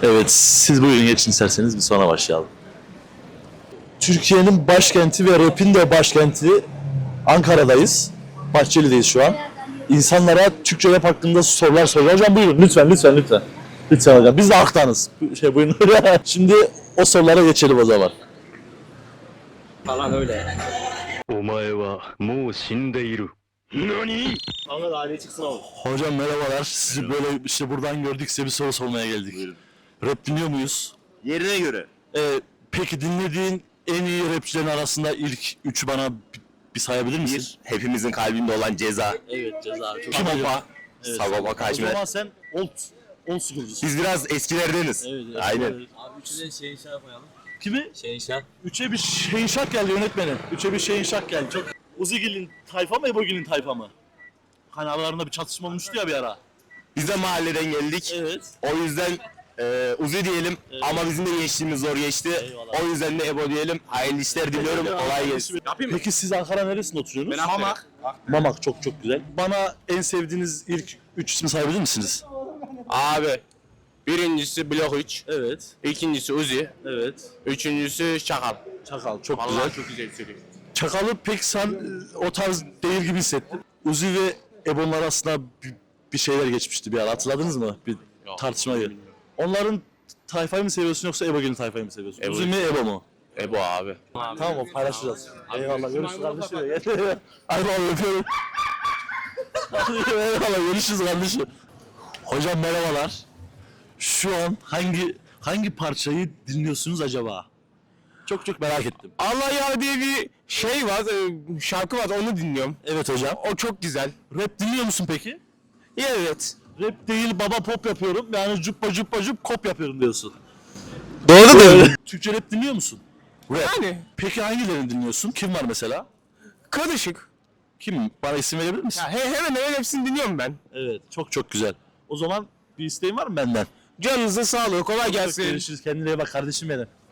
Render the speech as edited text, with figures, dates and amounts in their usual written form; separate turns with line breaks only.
Evet, siz buyurun geçin isterseniz bir sonra başlayalım. Türkiye'nin başkenti ve rap'in de başkenti Ankara'dayız. Bahçeli'deyiz şu an. İnsanlara Türkçe rap hakkında sorular soruyor. Hocam buyurun lütfen. Lütfen hocam. Biz de aktanız. Buyurun. Şimdi o sorulara geçelim o zaman.
Falan öyle.
お前はもう死んでいる。何？
Kanka da aileye çıksın abi.
Hocam merhabalar. Sizi böyle işte buradan gördük, size bir soru sormaya geldik. Rap dinliyor muyuz?
Yerine göre.
Peki dinlediğin en iyi rapçilerin arasında ilk üçü bana bir sayabilir misin?
Bir, hepimizin kalbinde olan Ceza.
Evet Ceza. Çok
Kim acaba?
Sagopa. Sagopa
O
Kajmer.
zaman sen old school'cusun.
Biz biraz eskilerdeniz.
Evet.
Aynen.
Abi üçüne Şehinşah koyalım.
Kimi?
Şehinşah.
Üçe bir Şehinşah geldi yönetmenim. Üçe bir Şehinşah geldi. Çok Uzigil'in tayfa mı Ebogil'in tayfa mı? Hani aralarında bir çatışma olmuştu ya bir ara.
Biz de mahalleden geldik.
Evet.
O yüzden Uzi diyelim ama bizim de geçtiğimiz zor geçti.
Eyvallah.
O yüzden de Ebo diyelim. Hayırlı işler diliyorum. Kolay gelsin.
Peki siz Ankara neresinde oturuyorsunuz?
Ben Mamak.
Mamak çok güzel. Bana en sevdiğiniz ilk üç ismi sayabilir misiniz?
Abi birincisi Blok 3,
Evet.
ikincisi Uzi,
Evet.
üçüncüsü Çakal.
Çakal çok
Vallahi
güzel.
çok güzel söylüyor.
Çakal'ı pek sen o tarz değil gibi hissettim. Uzi ve Ebon'un arasında bir şeyler geçmişti bir ara. Hatırladınız mı? Bir tartışmayı. Onların tayfayı mı seviyorsun yoksa Ebogil'in tayfayı mı seviyorsun?
Ebo.
Uzi mi Ebo mu?
Ebo abi.
Tamam o paylaşacağız. Eyvallah görüşürüz kardeşim. Hadi abi öpüyorum. Eyvallah görüşürüz kardeşim. Hocam merhabalar. Şu an hangi parçayı dinliyorsunuz acaba? Çok merak ettim.
Allah ya diye bir şey var, şarkı var onu dinliyorum.
Evet hocam.
O çok güzel.
Rap dinliyor musun peki?
Evet.
Rap değil baba pop yapıyorum. Yani cuppa kop yapıyorum diyorsun.
Doğru da.
Türkçe rap dinliyor musun? Rap.
Yani
Peki hangilerini dinliyorsun? Kim var mesela?
karışık.
Kim? Bana isim verebilir misin?
Ya hemen hemen hepsini dinliyorum ben.
Evet. Çok güzel. O zaman bir isteğin var mı benden?
Canınıza sağlık, kolay gelsin.
Görüşürüz. Kendine iyi bak kardeşim benim.